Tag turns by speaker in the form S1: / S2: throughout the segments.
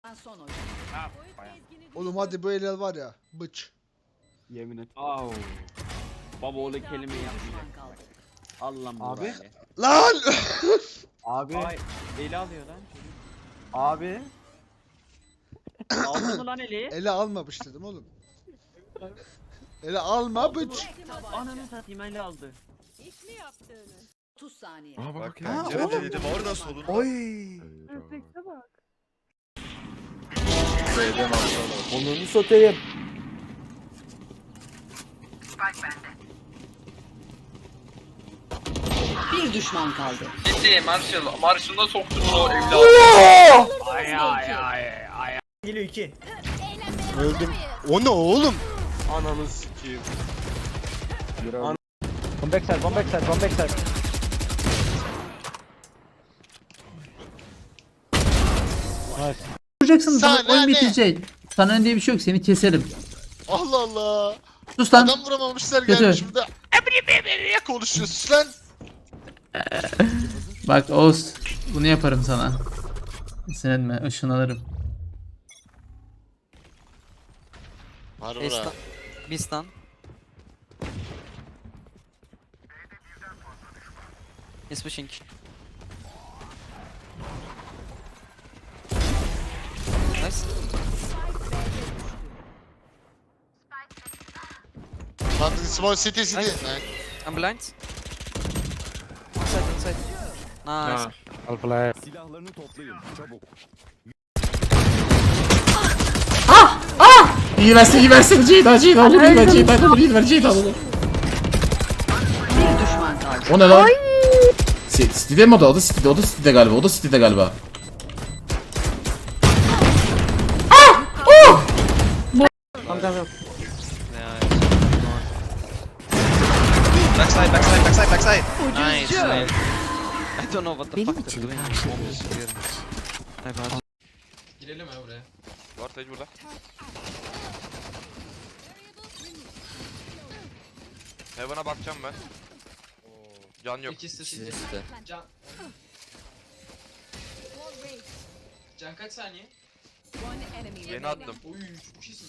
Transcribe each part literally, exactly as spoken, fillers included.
S1: Son oyun.
S2: Ha,
S3: Oğlum hadi bu el var ya. Bıç.
S2: yemin et. Au. Baba oğlu kelime yapmayacak. Allah'ım
S4: Abi.
S2: burayı.
S3: Lan!
S4: Abi.
S2: Ay eli alıyor lan.
S4: Abi.
S2: Aldı mı lan eli?
S3: Ele almamış dedim oğlum. Ele alma bıç.
S2: Ananı satayım eli aldı.
S1: İş mi yaptığını? otuz saniye.
S5: Aa bak,
S6: Bak
S5: ya.
S6: pencere dedim orada solunda.
S4: Oy.
S6: B'den atladı.
S4: Onunu satayım.
S1: Bir düşman kaldı.
S7: Gitti Marshall. Marshall'a soktu bunu o evladı.
S2: Ay ay ay ay.
S4: Geliyor iki.
S6: Öldüm. O ne oğlum? Ananı sikeyim.
S4: An Come back side, come back side, come back side. Nice.
S8: Vuracaksın
S3: Sana
S8: sana oyun
S3: ne?
S8: bitecek. Sana diye bir şey yok, seni keserim.
S3: Allah Allah.
S8: Sus lan.
S3: Adam vuramamışlar
S8: Kötü.
S3: gelmiş burada. Emre konuşuyorsun lan.
S8: Bak Oğuz, bunu yaparım sana. Sinirlenme, ışın alırım.
S3: Var
S9: Bistan. Bistan. He's pushing. Nice.
S3: Small city city.
S9: Nice. I'm blind. Inside, inside. Nice.
S4: I'll play.
S5: Silahlarını toplayın çabuk.
S8: İyi versin, iyi versin. Ceyda, Ceyda olur, iyi ver, Ceyda olur, iyi ver, Ceyda olur.
S1: Bir düşman kaldı.
S8: O ne lan? Si- City'de mi o da? O da City'de, o da City'de galiba, o da City'de galiba.
S4: Come down, down.
S6: Backside, backside, backside, backside.
S9: Nice. I don't know what the fuck they're doing. My bad.
S7: Girelim ya buraya.
S6: Var Tej burada. Heaven'a bakacağım ben. Can yok.
S7: İkisi de
S9: İkisi
S7: city.
S9: de.
S7: Can. Can kaç saniye?
S6: Yeni attım.
S7: Oy çok iyisin.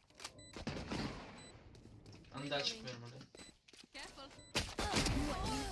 S7: Ben daha çıkmıyorum orada.